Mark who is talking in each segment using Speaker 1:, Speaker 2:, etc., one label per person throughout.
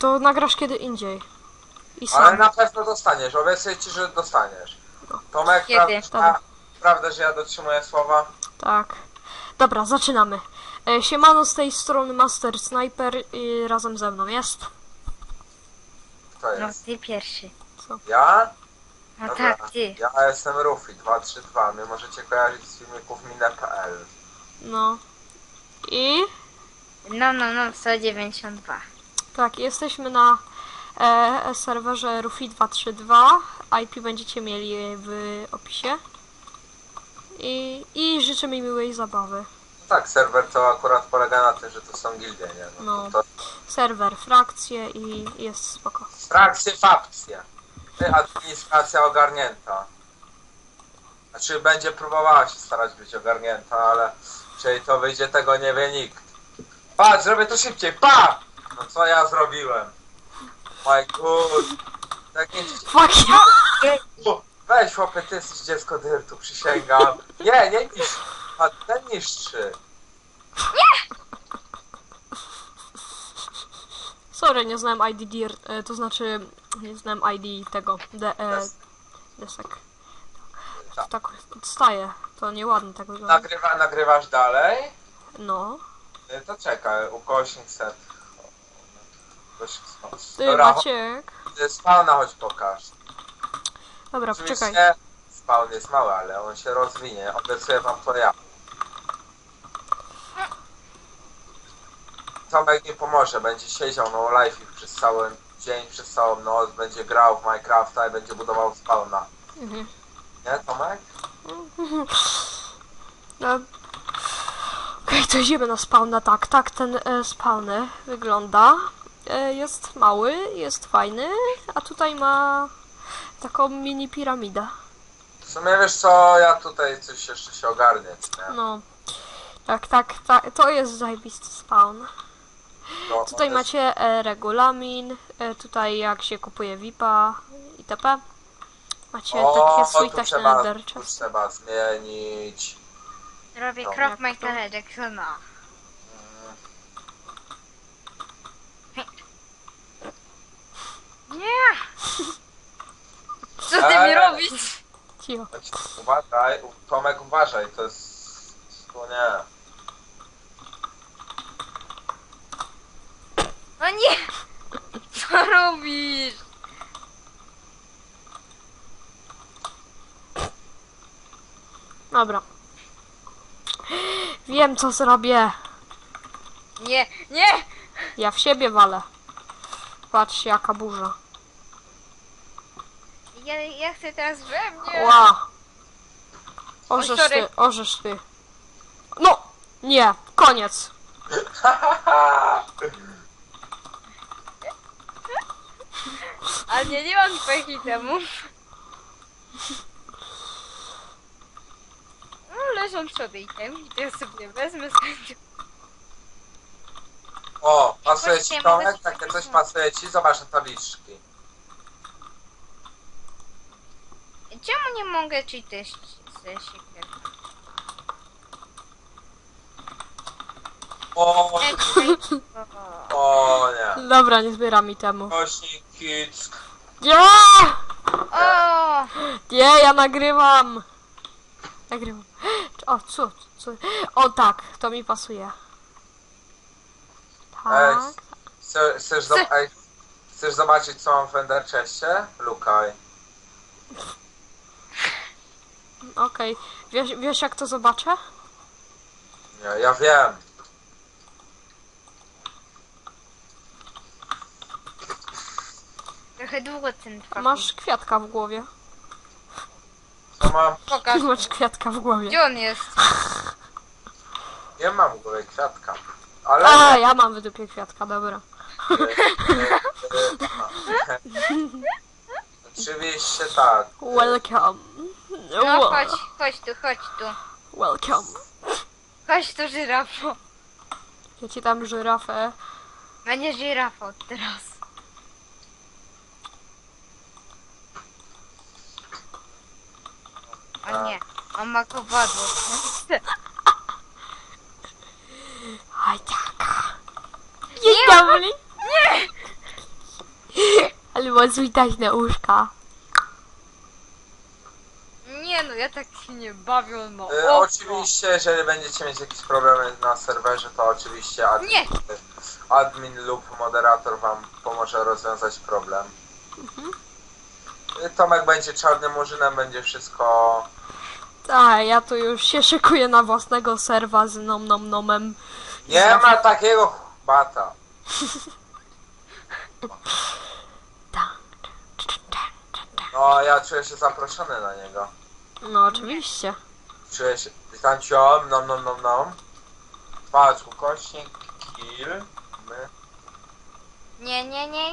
Speaker 1: to nagrasz kiedy indziej. I sam.
Speaker 2: Ale na pewno dostaniesz, obiecuję ci, że dostaniesz. Tomek,
Speaker 3: Kiedy?
Speaker 2: prawda, że ja dotrzymuję słowa?
Speaker 1: Tak. Dobra, zaczynamy. Siemano, z tej strony Master Sniper i razem ze mną jest.
Speaker 2: Kto
Speaker 3: No
Speaker 2: jest?
Speaker 3: ty pierwszy.
Speaker 2: Ja?
Speaker 3: No
Speaker 2: Dobra.
Speaker 3: tak, ty.
Speaker 2: Ja jestem Rufi 232. Mnie możecie kojarzyć z filmików Mine.pl.
Speaker 1: No. I...
Speaker 3: No, 192.
Speaker 1: Tak, jesteśmy na serwerze Rufi 232. IP będziecie mieli w opisie. I życzymy miłej zabawy.
Speaker 2: Tak, serwer to akurat polega na tym, że to są gildie, nie?
Speaker 1: No.
Speaker 2: To
Speaker 1: Serwer, frakcje i jest spoko.
Speaker 2: frakcje, fapcje. Ty, administracja ogarnięta. Znaczy będzie próbowała się starać być ogarnięta, ale jeżeli to wyjdzie, tego nie wie nikt. Patrz, zrobię to szybciej, pa! No co ja zrobiłem? My god. Tak nie...
Speaker 1: Fuck you!
Speaker 2: Weź chłopie, ty jesteś dziecko dyrtu, przysięgam. Nie niszcz. A ten niszczy.
Speaker 1: Sorry, nie znałem ID DIR, to znaczy nie znałem ID tego desek. Tak odstaje, to nieładnie tak wygląda.
Speaker 2: Nagrywasz dalej?
Speaker 1: No.
Speaker 2: To czekaj, ukośnik set.
Speaker 1: Ty,
Speaker 2: Dobra,
Speaker 1: Maciek.
Speaker 2: spawna chodź pokaż.
Speaker 1: Dobra, poczekaj.
Speaker 2: Oczywiście spawn jest mały, ale on się rozwinie. Obiecuję wam to ja. Tomek nie pomoże, będzie siedział no live przez cały dzień, przez całą noc, będzie grał w Minecrafta i będzie budował spawna.
Speaker 1: Mhm.
Speaker 2: Nie, Tomek?
Speaker 1: No. Okej, to idziemy na spawna. Tak ten spawner wygląda. Jest mały, jest fajny, a tutaj ma taką mini piramidę.
Speaker 2: W sumie wiesz co, ja tutaj coś jeszcze się ogarnię, nie?
Speaker 1: No. Tak, to jest zajebisty spawn.
Speaker 2: No,
Speaker 1: Tutaj
Speaker 2: on jest-
Speaker 1: macie regulamin, tutaj jak się kupuje VIP-a itp. Macie takie
Speaker 2: tu
Speaker 1: sweet
Speaker 2: trzeba,
Speaker 1: nether
Speaker 2: tu
Speaker 1: chest.
Speaker 2: trzeba zmienić.
Speaker 3: Robię
Speaker 2: No.
Speaker 3: krok
Speaker 1: Jak
Speaker 3: Michaela Jacksona. Nie! Co ty mi robisz?
Speaker 1: Cicho.
Speaker 2: Uważaj, Tomek uważaj, to jest... To nie.
Speaker 3: No nie! Co robisz?
Speaker 1: Dobra. Wiem co zrobię.
Speaker 3: Nie!
Speaker 1: Ja w siebie walę. Patrzcie jaka burza.
Speaker 3: Ja chcę teraz we mnie!
Speaker 1: Ła. Orzesz
Speaker 3: Oj, sorry.
Speaker 1: ty, orzesz ty. No! Nie, koniec.
Speaker 3: Ale nie mam twoich itemów. No, leżą sobie itemki, to ja sobie wezmę z chęcią.
Speaker 2: O, pasuje
Speaker 3: Właśnie,
Speaker 2: ci
Speaker 3: mogę
Speaker 2: Tomek?
Speaker 3: ci
Speaker 2: Takie
Speaker 3: coś
Speaker 2: coś pasuje ci? Zobacz na tabliczki.
Speaker 3: Czemu nie mogę czytać ze siekierki?
Speaker 2: O nie.
Speaker 1: Dobra, nie zbieram mi temu.
Speaker 2: Kośnik kick.
Speaker 1: Nie!
Speaker 3: O!
Speaker 1: Nie, ja nagrywam. Nagrywam. O, co? O tak, to mi pasuje.
Speaker 2: Ej,
Speaker 1: Tak.
Speaker 2: chcesz zobaczyć co mam w Ender Chestie? Lukaj.
Speaker 1: Okej. Wiesz jak to zobaczę?
Speaker 2: Nie, ja wiem.
Speaker 3: Trochę długo ten trwa.
Speaker 1: Masz kwiatka w głowie.
Speaker 2: Co mam?
Speaker 3: Pokaż.
Speaker 1: Masz kwiatka w głowie.
Speaker 3: Gdzie on jest?
Speaker 2: Nie mam w ogóle kwiatka. Ale...
Speaker 1: A, ja mam w dupie kwiatka, dobra.
Speaker 2: Oczywiście tak.
Speaker 1: Welcome.
Speaker 3: No chodź tu.
Speaker 1: Welcome.
Speaker 3: Chodź tu, żyrafo.
Speaker 1: Ja ci tam żyrafę.
Speaker 3: Będzie żyrafa od teraz. O nie, on ma kowadło.
Speaker 1: Aj tak. Dzień dobry. było zwitać na uszka.
Speaker 3: Nie no, ja tak się nie bawię, no.
Speaker 2: Oczywiście, jeżeli będziecie mieć jakieś problemy na serwerze, to oczywiście
Speaker 3: Nie.
Speaker 2: admin lub moderator wam pomoże rozwiązać problem. Tomek będzie czarnym murzynem, będzie wszystko...
Speaker 1: Tak, ja tu już się szykuję na własnego serwa z nomem.
Speaker 2: Nie ma takiego bata. No, ja czuję się zaproszony na niego.
Speaker 1: No oczywiście.
Speaker 2: Czuję się... Tam ciom, nom. Patrz, ukośnik, kill, my...
Speaker 3: Nie.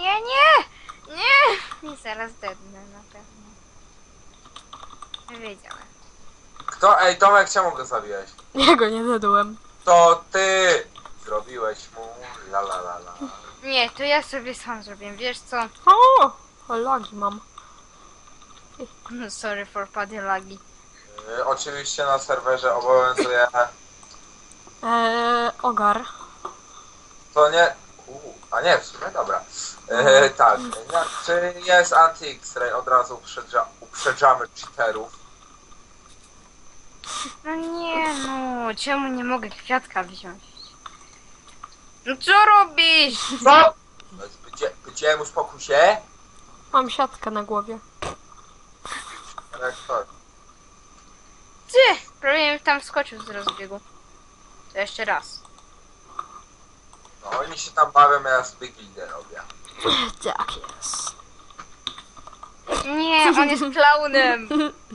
Speaker 3: I zaraz dednę na pewno. Wiedziałem.
Speaker 2: Kto? Ej, Tomek, czemu go zabiłeś?
Speaker 1: Ja go nie zjadłem.
Speaker 2: To ty zrobiłeś mu la.
Speaker 3: Nie, to ja sobie sam zrobię, wiesz co?
Speaker 1: O, lagi mam.
Speaker 3: Sorry for paddy lagi.
Speaker 2: Oczywiście na serwerze obowiązuje...
Speaker 1: Ogar.
Speaker 2: To nie... a nie, w sumie, dobra. Tak, czy jest anti-X-ray? Od razu uprzedzamy cheaterów.
Speaker 3: No nie no, czemu nie mogę kwiatka wziąć? No co robisz?
Speaker 2: Co? Powiedziałem, uspokój się.
Speaker 1: Mam siatkę na głowie.
Speaker 2: Rektor.
Speaker 3: Ty! Prawie mi tam wskoczył z rozbiegu. To jeszcze raz.
Speaker 2: No oni się tam bawią, ja z Big Leader robię.
Speaker 1: Tak jest.
Speaker 3: Nie, on jest klaunem!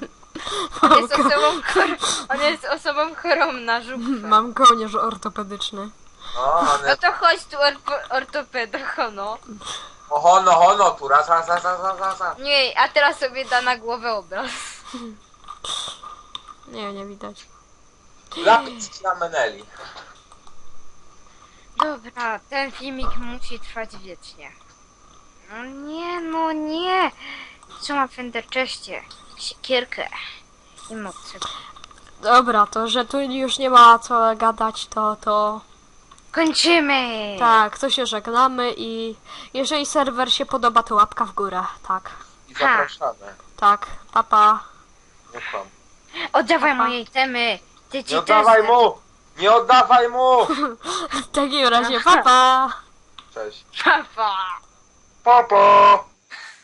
Speaker 3: On jest osobą chorą na żuchwę.
Speaker 1: Mam kołnierz ortopedyczny.
Speaker 2: No, on
Speaker 3: No
Speaker 2: jest...
Speaker 3: to chodź tu ortopeda, hono.
Speaker 2: O, hono, tu raz.
Speaker 3: Nie, a teraz sobie da na głowę obraz.
Speaker 1: Nie widać.
Speaker 2: Lapis dla Meneli.
Speaker 3: Dobra, ten filmik musi trwać wiecznie. No nie. Co ma w Enderchestie? Siekierkę. I mocy.
Speaker 1: Dobra, to że tu już nie ma co gadać, to...
Speaker 3: Kończymy!
Speaker 1: Tak, to się żegnamy i jeżeli serwer się podoba, to łapka w górę. Tak,
Speaker 2: I zapraszamy.
Speaker 1: tak, papa.
Speaker 2: Nie kłam.
Speaker 3: Oddawaj
Speaker 1: Papa.
Speaker 3: moje temy! Ty
Speaker 2: Nie
Speaker 3: ci
Speaker 2: oddawaj mu! Nie oddawaj mu!
Speaker 1: W takim razie papa.
Speaker 2: Cześć.
Speaker 3: Papa!
Speaker 2: Papa!